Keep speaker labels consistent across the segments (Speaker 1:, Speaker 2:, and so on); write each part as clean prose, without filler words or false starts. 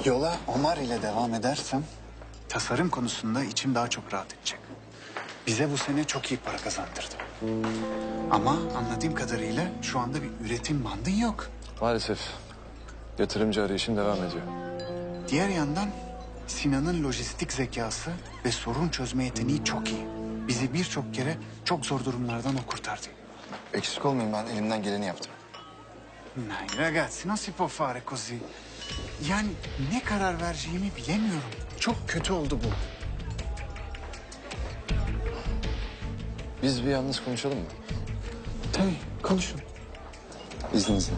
Speaker 1: Yola Omar ile devam edersem tasarım konusunda içim daha çok rahat edecek. Bize bu sene çok iyi para kazandırdı. Ama anladığım kadarıyla şu anda bir üretim bandın yok.
Speaker 2: Maalesef yatırımcı arayışım devam ediyor.
Speaker 1: Diğer yandan Sinan'ın lojistik zekası ve sorun çözme yeteneği çok iyi. Bizi birçok kere çok zor durumlardan o kurtardı.
Speaker 3: Eksik olmayın, ben elimden geleni yaptım.
Speaker 1: Dai ragazzi, non si può fare così. Yani ne karar vereceğimi bilemiyorum. Çok kötü oldu bu.
Speaker 2: Biz bir yalnız konuşalım mı?
Speaker 1: Tabii, konuşun.
Speaker 3: İzninizle.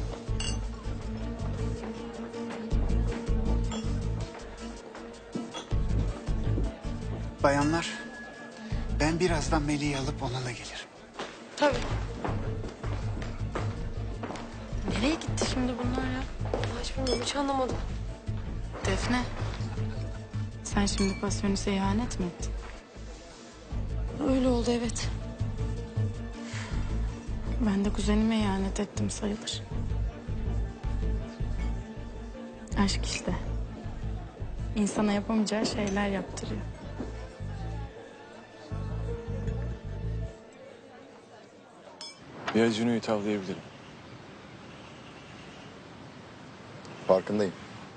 Speaker 1: Bayanlar, ben birazdan Melih'i alıp onunla gelirim.
Speaker 4: Tabii. Nereye gitti şimdi bunlar ya? Hiç bilmiyorum, hiç anlamadım.
Speaker 5: Defne, sen şimdi Pasyonist'e ihanet mi ettin?
Speaker 4: Öyle oldu, evet.
Speaker 5: Ben de kuzenime ihanet ettim sayılır. Aşk işte. İnsana yapamayacağı şeyler yaptırıyor.
Speaker 2: Bir Acun'u tavlayabilirim.
Speaker 3: Farkındayım.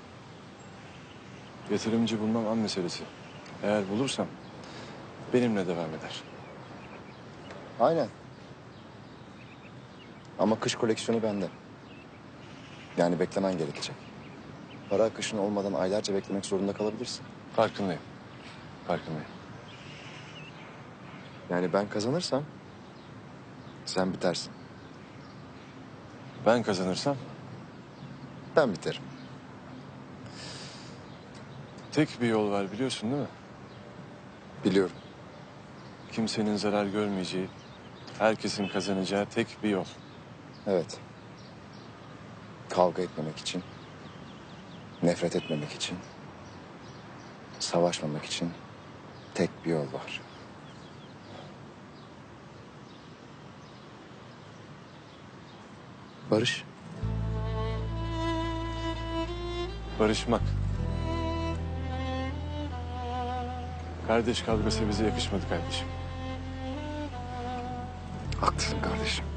Speaker 2: Yatırımcı bulmam an meselesi. Eğer bulursam benimle devam eder.
Speaker 3: Aynen. Ama kış koleksiyonu bende. Yani beklemen gerekecek. Para akışın olmadan aylarca beklemek zorunda kalabilirsin.
Speaker 2: Farkındayım. Farkındayım.
Speaker 3: Yani ben kazanırsam sen bitersin.
Speaker 2: Ben kazanırsam
Speaker 3: Ben biterim.
Speaker 2: tek bir yol var biliyorsun değil mi?
Speaker 3: Biliyorum.
Speaker 2: Kimsenin zarar görmeyeceği, herkesin kazanacağı tek bir yol.
Speaker 3: Evet. Kavga etmemek için, nefret etmemek için, savaşmamak için tek bir yol var. Barış.
Speaker 2: Barışmak. Kardeş kavgası bize yakışmadı kardeşim.
Speaker 3: Haklısın kardeşim.